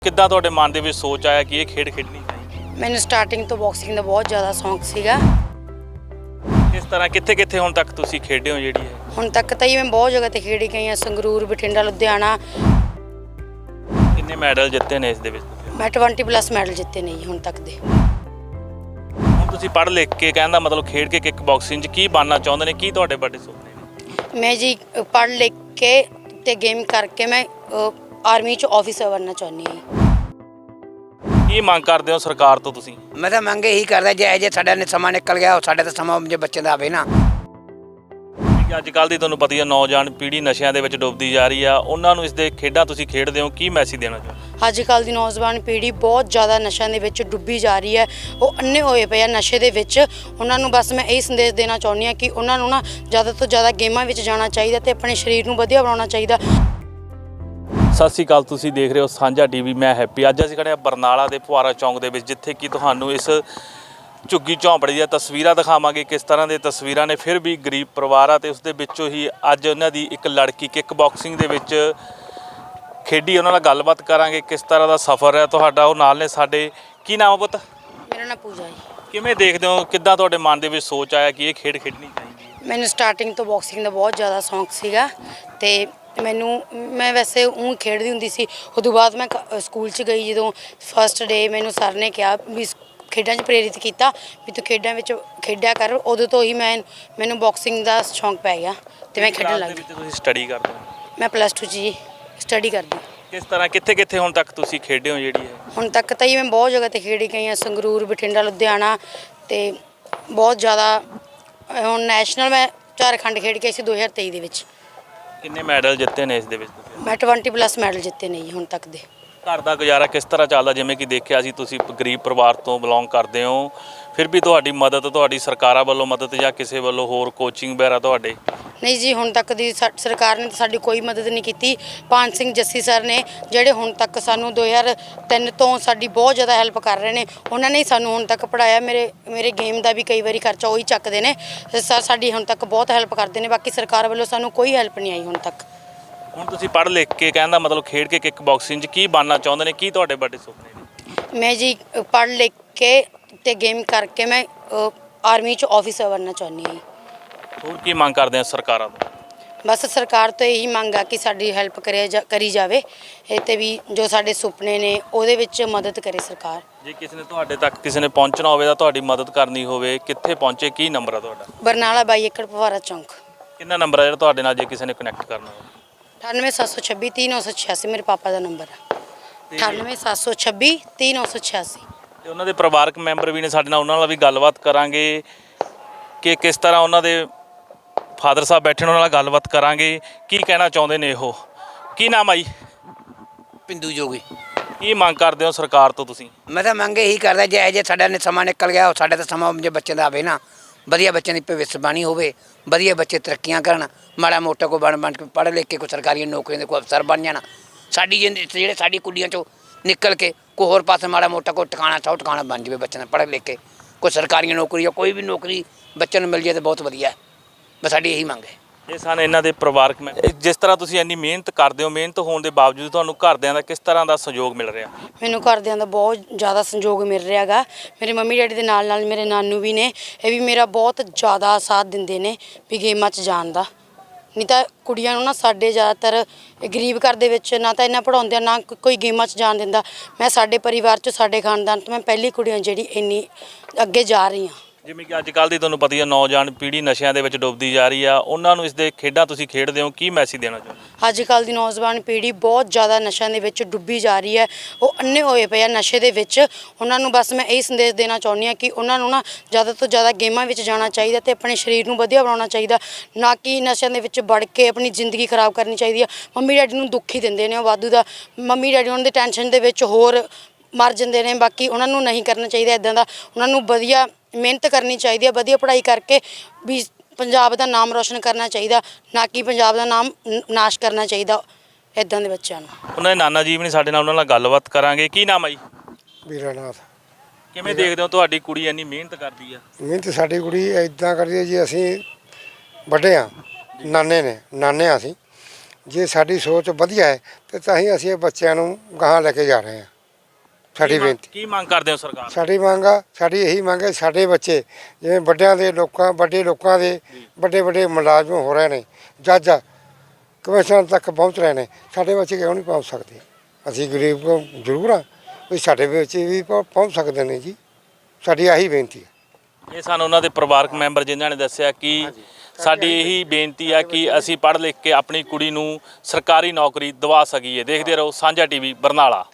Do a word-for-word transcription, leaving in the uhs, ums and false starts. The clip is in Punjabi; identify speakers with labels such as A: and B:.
A: ਕਿੱਦਾਂ ਤੁਹਾਡੇ ਮਨ ਦੇ ਵਿੱਚ ਸੋਚ ਆਇਆ ਕਿ ਇਹ ਖੇਡ ਖੇਡਣੀ ਚਾਹੀਦੀ?
B: ਮੈਨੂੰ ਸਟਾਰਟਿੰਗ ਤੋਂ ਬਾਕਸਿੰਗ ਦਾ ਬਹੁਤ ਜ਼ਿਆਦਾ ਸ਼ੌਂਕ ਸੀਗਾ।
A: ਇਸ ਤਰ੍ਹਾਂ ਕਿੱਥੇ ਕਿੱਥੇ ਹੁਣ ਤੱਕ ਤੁਸੀਂ ਖੇਡੇ ਹੋ ਜਿਹੜੀ ਹੈ?
B: ਹੁਣ ਤੱਕ ਤਾਂ ਹੀ ਮੈਂ ਬਹੁਤ ਜਗ੍ਹਾ ਤੇ ਖੇਡੀ ਗਈ ਹਾਂ, ਸੰਗਰੂਰ, ਬਠਿੰਡਾ, ਲੁਧਿਆਣਾ।
A: ਕਿੰਨੇ ਮੈਡਲ ਜਿੱਤੇ ਨੇ ਇਸ ਦੇ ਵਿੱਚ?
B: ਮੈਂ ਵੀਹ ਪਲੱਸ ਮੈਡਲ ਜਿੱਤੇ ਨੇ ਜੀ ਹੁਣ ਤੱਕ ਦੇ।
A: ਹੁਣ ਤੁਸੀਂ ਪੜ੍ਹ ਲਿਖ ਕੇ ਕਹਿਣ ਦਾ ਮਤਲਬ ਖੇਡ ਕੇ ਕਿੱਕ ਬਾਕਸਿੰਗ 'ਚ ਕੀ ਬਣਨਾ ਚਾਹੁੰਦੇ ਨੇ, ਕੀ ਤੁਹਾਡੇ ਵੱਡੇ ਸੁਪਨੇ ਨੇ?
B: ਮੈਂ ਜੀ ਪੜ੍ਹ ਲਿਖ ਕੇ ਤੇ ਗੇਮ ਕਰਕੇ ਮੈਂ ਆਰਮੀ 'ਚ ਆਫੀਸਰ ਬਣਨਾ ਚਾਹੁੰਦੀ ਹਾਂ।
A: ਕੀ ਮੰਗ ਕਰਦੇ ਹੋ ਸਰਕਾਰ ਤੋਂ ਤੁਸੀਂ?
C: मैं तो मंग यही करता जे जे साडा ने समा निकल गया साडे तो समा जे बच्चे का आवे ना।
A: ਅੱਜ ਕੱਲ੍ਹ ਦੀ ਤੁਹਾਨੂੰ ਪਤਾ ਹੀ ਆ ਨੌਜਵਾਨ ਪੀੜ੍ਹੀ ਨਸ਼ਿਆਂ ਦੇ ਵਿੱਚ ਡੁੱਬਦੀ ਜਾ ਰਹੀ ਆ, ਉਹਨਾਂ ਨੂੰ ਇਸ ਦੇ ਖੇਡਾਂ ਤੁਸੀਂ ਖੇਡਦੇ ਹੋ, ਕੀ ਮੈਸੇਜ ਦੇਣਾ ਚਾਹੁੰਦੇ?
B: ਅੱਜ ਕੱਲ੍ਹ ਦੀ ਨੌਜਵਾਨ ਪੀੜ੍ਹੀ ਬਹੁਤ ਜ਼ਿਆਦਾ ਨਸ਼ਿਆਂ ਦੇ ਵਿੱਚ ਡੁੱਬੀ ਜਾ ਰਹੀ ਹੈ, ਉਹ ਅੰਨੇ ਹੋਏ ਪਏ ਆ ਨਸ਼ੇ ਦੇ ਵਿੱਚ। ਉਹਨਾਂ ਨੂੰ ਬਸ ਮੈਂ ਇਹ ਸੰਦੇਸ਼ ਦੇਣਾ ਚਾਹੁੰਦੀ ਹਾਂ ਕਿ ਉਹਨਾਂ ਨੂੰ ਨਾ ਜ਼ਿਆਦਾ ਤੋਂ ਜ਼ਿਆਦਾ ਗੇਮਾਂ ਵਿੱਚ ਜਾਣਾ ਚਾਹੀਦਾ ਤੇ ਆਪਣੇ ਸਰੀਰ ਨੂੰ ਵਧੀਆ ਬਣਾਉਣਾ ਚਾਹੀਦਾ।
A: ਸਤਿ ਸ਼੍ਰੀ ਅਕਾਲ, ਤੁਸੀਂ ਦੇਖ ਰਹੇ ਹੋ ਸਾਂਝਾ ਟੀਵੀ, ਮੈਂ ਹੈਪੀ। ਅੱਜ ਅਸੀਂ ਖੜੇ ਹਾਂ ਬਰਨਾਲਾ ਦੇ ਫੁਆਰਾ ਚੌਂਕ ਦੇ ਵਿੱਚ, ਜਿੱਥੇ ਕਿ ਤੁਹਾਨੂੰ ਇਸ ਝੁੱਗੀ ਝੌਂਪੜੀ ਦੀਆਂ ਤਸਵੀਰਾਂ ਦਿਖਾਵਾਂਗੇ, ਕਿਸ ਤਰ੍ਹਾਂ ਦੇ ਤਸਵੀਰਾਂ ਨੇ। ਫਿਰ ਵੀ ਗਰੀਬ ਪਰਿਵਾਰ ਆ ਤੇ ਉਸ ਦੇ ਵਿੱਚੋਂ ਹੀ ਅੱਜ ਉਹਨਾਂ ਦੀ ਇੱਕ ਲੜਕੀ ਕਿੱਕ ਬਾਕਸਿੰਗ ਦੇ ਵਿੱਚ ਖੇਡੀ, ਉਹਨਾਂ ਨਾਲ ਗੱਲਬਾਤ ਕਰਾਂਗੇ ਕਿਸ ਤਰ੍ਹਾਂ ਦਾ ਸਫ਼ਰ ਹੈ ਤੁਹਾਡਾ। ਉਹ ਨਾਲ ਨੇ ਸਾਡੇ। ਕੀ ਨਾਮ ਹੈ ਪੁੱਤ?
B: ਮੇਰਾ ਨਾਮ ਪੂਜਾ ਜੀ।
A: ਕਿਵੇਂ ਦੇਖਦੇ ਹੋ, ਕਿੱਦਾਂ ਤੁਹਾਡੇ ਮਨ ਦੇ ਵਿੱਚ ਸੋਚ ਆਇਆ ਕਿ ਇਹ ਖੇਡ ਖੇਡਣੀ ਚਾਹੀਦੀ ਹੈ?
B: ਮੈਨੂੰ ਸਟਾਰਟਿੰਗ ਤੋਂ ਬਾਕਸਿੰਗ ਦਾ ਬਹੁਤ ਜ਼ਿਆਦਾ ਸ਼ੌਂਕ ਸੀਗਾ ਤੇ ਮੈਨੂੰ ਮੈਂ ਵੈਸੇ ਉਹ ਖੇਡਦੀ ਹੁੰਦੀ ਸੀ। ਉਦੋਂ ਬਾਅਦ ਮੈਂ ਸਕੂਲ 'ਚ ਗਈ, ਜਦੋਂ ਫਸਟ ਡੇ ਮੈਨੂੰ ਸਰ ਨੇ ਕਿਹਾ ਵੀ ਖੇਡਾਂ 'ਚ ਪ੍ਰੇਰਿਤ ਕੀਤਾ ਵੀ ਤੂੰ ਖੇਡਾਂ ਵਿੱਚ ਖੇਡਿਆ ਕਰ। ਉਦੋਂ ਤੋਂ ਹੀ ਮੈਂ ਮੈਨੂੰ ਬਾਕਸਿੰਗ ਦਾ ਸ਼ੌਂਕ ਪੈ ਗਿਆ ਤੇ ਮੈਂ ਖੇਡਣ ਲੱਗ ਗਈ।
A: ਤੁਸੀਂ ਸਟੱਡੀ ਕਰਦੇ ਹੋ?
B: ਮੈਂ ਪਲੱਸ ਟੂ 'ਚ ਜੀ ਸਟੱਡੀ ਕਰਦੀ।
A: ਕਿਸ ਤਰ੍ਹਾਂ ਕਿੱਥੇ ਕਿੱਥੇ ਹੁਣ ਤੱਕ ਤੁਸੀਂ ਖੇਡੇ ਹੋ ਜਿਹੜੀ ਹੈ?
B: ਹੁਣ ਤੱਕ ਤਾਂ ਹੀ ਮੈਂ ਬਹੁਤ ਜਗ੍ਹਾ ਤੇ ਖੇਡੀ ਗਈ ਹਾਂ, ਸੰਗਰੂਰ, ਬਠਿੰਡਾ, ਲੁਧਿਆਣਾ ਤੇ ਬਹੁਤ ਜ਼ਿਆਦਾ। ਹੁਣ ਨੈਸ਼ਨਲ ਮੈਂ ਝਾਰਖੰਡ ਖੇਡ ਕੇ ਸੀ ਦੋ ਹਜ਼ਾਰ ਤੇਈ ਦੇ ਵਿੱਚ।
A: ਕਿੰਨੇ ਮੈਡਲ ਜਿੱਤੇ ਨੇ ਇਸ ਦੇ ਵਿੱਚ ਤੁਸੀਂ?
B: ਮੈਂ ਵੀਹ ਪਲੱਸ ਮੈਡਲ ਜਿੱਤੇ ਨੇ ਜੀ ਹੁਣ ਤੱਕ ਦੇ।
A: ਘਰ ਦਾ ਗੁਜ਼ਾਰਾ ਕਿਸ ਤਰ੍ਹਾਂ ਚੱਲਦਾ? ਜਿਵੇਂ ਕਿ ਦੇਖਿਆ ਸੀ ਤੁਸੀਂ ਗਰੀਬ ਪਰਿਵਾਰ ਤੋਂ ਬਿਲੋਂਗ ਕਰਦੇ ਹੋ, ਫਿਰ ਵੀ ਤੁਹਾਡੀ ਮਦਦ, ਤੁਹਾਡੀ ਸਰਕਾਰਾਂ ਵੱਲੋਂ ਮਦਦ ਜਾਂ ਕਿਸੇ ਵੱਲੋਂ ਹੋਰ ਕੋਚਿੰਗ ਵਗੈਰਾ ਤੁਹਾਡੇ?
B: ਨਹੀਂ ਜੀ, ਹੁਣ ਤੱਕ ਦੀ ਸਰਕਾਰ ਨੇ ਸਾਡੀ ਕੋਈ ਮਦਦ ਨਹੀਂ ਕੀਤੀ। ਪਾਨ ਸਿੰਘ ਜੱਸੀ ਸਰ ਨੇ ਜਿਹੜੇ ਹੁਣ ਤੱਕ ਸਾਨੂੰ ਦੋ ਹਜ਼ਾਰ ਤਿੰਨ ਤੋਂ ਸਾਡੀ ਬਹੁਤ ਜ਼ਿਆਦਾ ਹੈਲਪ ਕਰ ਰਹੇ ਨੇ, ਉਹਨਾਂ ਨੇ ਸਾਨੂੰ ਹੁਣ ਤੱਕ ਪੜ੍ਹਾਇਆ। ਮੇਰੇ ਮੇਰੇ ਗੇਮ ਦਾ ਵੀ ਕਈ ਵਾਰੀ ਖਰਚਾ ਉਹੀ ਚੱਕਦੇ ਨੇ ਸਰ, ਸਾਡੀ ਹੁਣ ਤੱਕ ਬਹੁਤ ਹੈਲਪ ਕਰਦੇ ਨੇ। ਬਾਕੀ ਸਰਕਾਰ ਵੱਲੋਂ ਸਾਨੂੰ ਕੋਈ ਹੈਲਪ ਨਹੀਂ ਆਈ ਹੁਣ ਤੱਕ।
A: ਹੁਣ ਤੁਸੀਂ ਪੜ੍ਹ ਲਿਖ ਕੇ ਕਹਿਣ ਦਾ ਮਤਲਬ ਖੇਡ ਕੇ ਕਿੱਕ ਬਾਕਸਿੰਗ 'ਚ ਕੀ ਬਣਨਾ ਚਾਹੁੰਦੇ ਨੇ, ਕੀ ਤੁਹਾਡੇ ਵੱਡੇ ਸੁਪਨੇ ਨੇ?
B: ਮੈਂ ਜੀ ਪੜ੍ਹ ਲਿਖ ਕੇ ਤੇ ਗੇਮ ਕਰਕੇ ਮੈਂ ਆਰਮੀ 'ਚ ਆਫੀਸਰ ਬਣਨਾ ਚਾਹੁੰਦੀ ਹਾਂ।
A: ਹੋਰ ਕੀ ਮੰਗ ਕਰਦੇ ਆ ਸਰਕਾਰਾਂ ਤੋਂ?
B: ਬਸ ਸਰਕਾਰ ਤੋਂ ਇਹੀ ਮੰਗ ਆ ਕਿ ਸਾਡੀ ਹੈਲਪ ਕਰੇ ਜਾ ਕਰੀ ਜਾਵੇ ਇਹ ਤੇ ਵੀ ਜੋ ਸਾਡੇ ਸੁਪਨੇ ਨੇ ਉਹਦੇ ਵਿੱਚ ਮਦਦ ਕਰੇ ਸਰਕਾਰ।
A: ਜੇ ਕਿਸੇ ਨੇ ਤੁਹਾਡੇ ਤੱਕ ਕਿਸੇ ਨੇ ਪਹੁੰਚਣਾ ਹੋਵੇ ਤਾਂ ਤੁਹਾਡੀ ਮਦਦ ਕਰਨੀ ਹੋਵੇ, ਕਿੱਥੇ ਪਹੁੰਚੇ? ਕੀ ਨੰਬਰ ਆ ਤੁਹਾਡਾ?
B: ਬਰਨਾਲਾ ਬਾਈ ਏਕੜ ਫੁਆਰਾ ਚੌਂਕ।
A: ਕਿੰਨਾ ਨੰਬਰ ਆ ਜਿਹੜਾ ਤੁਹਾਡੇ ਨਾਲ ਜੇ ਕਿਸੇ ਨੇ ਕਨੈਕਟ ਕਰਨਾ ਹੋਵੇ?
B: ਅਠਾਨਵੇਂ ਸੱਤ ਸੌ ਛੱਬੀ ਤੀਹ ਨੌ ਸੌ ਛਿਆਸੀ ਮੇਰੇ ਪਾਪਾ ਦਾ ਨੰਬਰ ਆ। ਅਠਾਨਵੇਂ ਸੱਤ ਸੌ ਛੱਬੀ ਤੀਹ ਨੌ ਸੌ ਛਿਆਸੀ।
A: ਤੇ ਉਹਨਾਂ ਦੇ ਪਰਿਵਾਰਕ ਮੈਂਬਰ ਵੀ ਨੇ ਸਾਡੇ ਨਾਲ, ਉਹਨਾਂ ਨਾਲ ਵੀ ਗੱਲਬਾਤ ਕਰਾਂਗੇ ਕਿ ਕਿਸ ਤਰ੍ਹਾਂ ਉਹਨਾਂ ਦੇ ਫਾਦਰ ਸਾਹਿਬ ਬੈਠੇ, ਉਹਨਾਂ ਨਾਲ ਗੱਲਬਾਤ ਕਰਾਂਗੇ ਕੀ ਕਹਿਣਾ ਚਾਹੁੰਦੇ ਨੇ ਉਹ। ਕੀ ਨਾਮ ਆ ਜੀ?
C: पिंदू जोगी।
A: ਕੀ ਮੰਗ ਕਰਦੇ ਹੋ ਸਰਕਾਰ ਤੋਂ ਤੁਸੀਂ?
C: मैं तो मंग यही करता जे जे साडा ने समा निकल गया साडे तो समा जे बच्चे का आवे ना। वधिया बच्चों की भविष्यवाणी होवे, वधिया बच्चे तरक्कियां करन, माड़ा मोटा को बन बन के पढ़ लिख के कोई सरकारी नौकरियों के कोई अफसर बन जाना। साडी जेह्ड़े साडी कुड़ियां चों निकल के कोई होर पासे माड़ा मोटा कोई ठिकाना सौ ठिकाना बन जाए, बच्चों ने पढ़ लिख के कोई सरकारी नौकरी या कोई भी नौकरी बच्चों को मिल जाए तो बहुत वधिया है। बस साडी यही मंग है।
A: ਇਹ ਸਨ ਇਹਨਾਂ ਦੇ ਪਰਿਵਾਰਕ ਮੈਂ। ਜਿਸ ਤਰ੍ਹਾਂ ਤੁਸੀਂ ਇੰਨੀ ਮਿਹਨਤ ਕਰਦੇ ਹੋ, ਮਿਹਨਤ ਹੋਣ ਦੇ ਬਾਵਜੂਦ ਤੁਹਾਨੂੰ ਘਰਦਿਆਂ ਦਾ ਕਿਸ ਤਰ੍ਹਾਂ ਦਾ ਸਹਿਯੋਗ ਮਿਲ ਰਿਹਾ?
B: ਮੈਨੂੰ ਘਰਦਿਆਂ ਦਾ ਬਹੁਤ ਜ਼ਿਆਦਾ ਸੰਯੋਗ ਮਿਲ ਰਿਹਾ ਗਾ। ਮੇਰੇ ਮੰਮੀ ਡੈਡੀ ਦੇ ਨਾਲ ਨਾਲ ਮੇਰੇ ਨਾਨੂ ਵੀ ਨੇ, ਇਹ ਵੀ ਮੇਰਾ ਬਹੁਤ ਜ਼ਿਆਦਾ ਸਾਥ ਦਿੰਦੇ ਨੇ ਵੀ ਗੇਮਾਂ 'ਚ ਜਾਣ ਦਾ। ਨਹੀਂ ਤਾਂ ਕੁੜੀਆਂ ਨੂੰ ਨਾ ਸਾਡੇ ਜ਼ਿਆਦਾਤਰ ਗਰੀਬ ਘਰ ਦੇ ਵਿੱਚ ਨਾ ਤਾਂ ਇੰਨਾ ਪੜ੍ਹਾਉਂਦੇ ਆ, ਨਾ ਕੋਈ ਗੇਮਾਂ 'ਚ ਜਾਣ ਦਿੰਦਾ। ਮੈਂ ਸਾਡੇ ਪਰਿਵਾਰ 'ਚ, ਸਾਡੇ ਖਾਨਦਾਨ ਤੋਂ ਮੈਂ ਪਹਿਲੀ ਕੁੜੀਆਂ ਜਿਹੜੀ ਇੰਨੀ ਅੱਗੇ ਜਾ ਰਹੀ ਹਾਂ। ਜਿਵੇਂ ਕਿ
A: ਅੱਜ ਕੱਲ੍ਹ ਦੀ ਤੁਹਾਨੂੰ ਪਤਾ ਹੀ ਆ ਨੌਜਵਾਨ ਪੀੜ੍ਹੀ ਨਸ਼ਿਆਂ ਦੇ ਵਿੱਚ ਡੁੱਬਦੀ ਜਾ ਰਹੀ ਆ, ਉਹਨਾਂ ਨੂੰ ਇਸ ਦੇ ਖੇਡਾਂ ਤੁਸੀਂ ਖੇਡਦੇ ਹੋ, ਕੀ ਮੈਸੇਜ ਦੇਣਾ ਚਾਹੁੰਦੇ?
B: ਅੱਜ ਕੱਲ੍ਹ ਦੀ ਨੌਜਵਾਨ ਪੀੜ੍ਹੀ ਬਹੁਤ ਜ਼ਿਆਦਾ ਨਸ਼ਿਆਂ ਦੇ ਵਿੱਚ ਡੁੱਬੀ ਜਾ ਰਹੀ ਹੈ, ਉਹ ਅੰਨੇ ਹੋਏ ਪਏ ਆ ਨਸ਼ੇ ਦੇ ਵਿੱਚ। ਉਹਨਾਂ ਨੂੰ ਬਸ ਮੈਂ ਇਹ ਸੰਦੇਸ਼ ਦੇਣਾ ਚਾਹੁੰਦੀ ਹਾਂ ਕਿ ਉਹਨਾਂ ਨੂੰ ਨਾ ਜ਼ਿਆਦਾ ਤੋਂ ਜ਼ਿਆਦਾ ਗੇਮਾਂ ਵਿੱਚ ਜਾਣਾ ਚਾਹੀਦਾ ਤੇ ਆਪਣੇ ਸਰੀਰ ਨੂੰ ਵਧੀਆ ਬਣਾਉਣਾ ਚਾਹੀਦਾ, ਨਾ ਕਿ ਨਸ਼ਿਆਂ ਦੇ ਵਿੱਚ ਵੜ ਕੇ ਆਪਣੀ ਜ਼ਿੰਦਗੀ ਖਰਾਬ ਕਰਨੀ ਚਾਹੀਦੀ ਆ। ਮੰਮੀ ਡੈਡੀ ਨੂੰ ਦੁੱਖ ਹੀ ਦਿੰਦੇ ਨੇ ਉਹ ਵਾਧੂ ਦਾ, ਮੰਮੀ ਡੈਡੀ ਉਹਨਾਂ ਦੇ ਟੈਨਸ਼ਨ ਦੇ ਵਿੱਚ ਹੋਰ ਮਰ ਜਾਂਦੇ ਨੇ। ਬਾਕੀ ਉਹਨਾਂ ਨੂੰ ਨਹੀਂ ਕਰਨਾ ਚਾਹੀਦਾ ਇੱਦਾਂ ਦਾ, ਉਹਨਾਂ ਨੂੰ ਵਧੀਆ ਮਿਹਨਤ ਕਰਨੀ ਚਾਹੀਦੀ ਹੈ, ਵਧੀਆ ਪੜ੍ਹਾਈ ਕਰਕੇ ਵੀ ਪੰਜਾਬ ਦਾ ਨਾਮ ਰੋਸ਼ਨ ਕਰਨਾ ਚਾਹੀਦਾ, ਨਾ ਕਿ ਪੰਜਾਬ ਦਾ ਨਾਮ ਨਾਸ਼ ਕਰਨਾ ਚਾਹੀਦਾ ਇੱਦਾਂ ਦੇ ਬੱਚਿਆਂ ਨੂੰ। ਉਹਨਾਂ ਦੇ ਨਾਨਾ ਜੀ ਵੀ ਨੇ ਸਾਡੇ ਨਾਲ, ਉਹਨਾਂ ਨਾਲ ਗੱਲਬਾਤ ਕਰਾਂਗੇ। ਕੀ ਨਾਮ ਆ ਜੀ?
D: ਵੀਰਾਨਾਥ।
A: ਕਿਵੇਂ ਦੇਖਦੇ ਹੋ ਤੁਹਾਡੀ ਕੁੜੀ ਇੰਨੀ ਮਿਹਨਤ ਕਰਦੀ ਆ?
D: ਮਿਹਨਤ ਸਾਡੀ ਕੁੜੀ ਇੱਦਾਂ ਕਰਦੀ ਹੈ ਜੀ, ਅਸੀਂ ਵੱਡੇ ਹਾਂ, ਨਾਨੇ ਨੇ ਨਾਨੇ ਹਾਂ ਅਸੀਂ। ਜੇ ਸਾਡੀ ਸੋਚ ਵਧੀਆ ਹੈ ਤੇ ਤਾਂ ਹੀ ਅਸੀਂ ਇਹ ਬੱਚਿਆਂ ਨੂੰ ਗਾਹਾਂ ਲੈ ਕੇ ਜਾ ਰਹੇ ਹਾਂ। ਸਾਡੀ
A: ਕੀ ਮੰਗ-
D: ਬੇਨਤੀ
A: ਕੀ ਮੰਗ ਕਰਦੇ ਹੋ ਸਰਕਾਰ ਤੋਂ?
D: ਸਾਡੀ ਮੰਗ ਆ ਸਾਡੀ ਇਹੀ ਮੰਗ ਹੈ ਸਾਡੇ ਬੱਚੇ ਜਿਵੇਂ ਵੱਡਿਆਂ ਦੇ ਲੋਕਾਂ ਵੱਡੇ ਲੋਕਾਂ ਦੇ ਵੱਡੇ ਵੱਡੇ ਮੁਲਾਜ਼ਮ ਹੋ ਰਹੇ ਨੇ ਜੱਜ ਕਮਿਸ਼ਨ ਤੱਕ ਪਹੁੰਚ ਰਹੇ ਨੇ ਸਾਡੇ ਬੱਚੇ ਕਿਉਂ ਨਹੀਂ ਪਹੁੰਚ ਸਕਦੇ ਅਸੀਂ ਗਰੀਬ ਕੋ ਜ਼ਰੂਰ ਆ ਵੀ ਸਾਡੇ ਬੱਚੇ ਵੀ ਪਹੁੰ- ਪਹੁੰਚ ਸਕਦੇ ਨੇ ਜੀ ਸਾਡੀ ਆਹੀ ਬੇਨਤੀ ਹੈ।
A: ਇਹ ਸਾਨੂੰ ਉਹਨਾਂ ਦੇ ਪਰਿਵਾਰਕ ਮੈਂਬਰ ਜਿਨ੍ਹਾਂ ਨੇ ਦੱਸਿਆ ਕਿ ਸਾਡੀ ਇਹੀ ਬੇਨਤੀ ਹੈ ਕਿ ਅਸੀਂ ਪੜ੍ਹ ਲਿਖ ਕੇ ਆਪਣੀ ਕੁੜੀ ਨੂੰ ਸਰਕਾਰੀ ਨੌਕਰੀ ਦਿਵਾ ਸਕੀਏ। ਦੇਖਦੇ ਰਹੋ ਸਾਂਝਾ ਟੀਵੀ ਬਰਨਾਲਾ।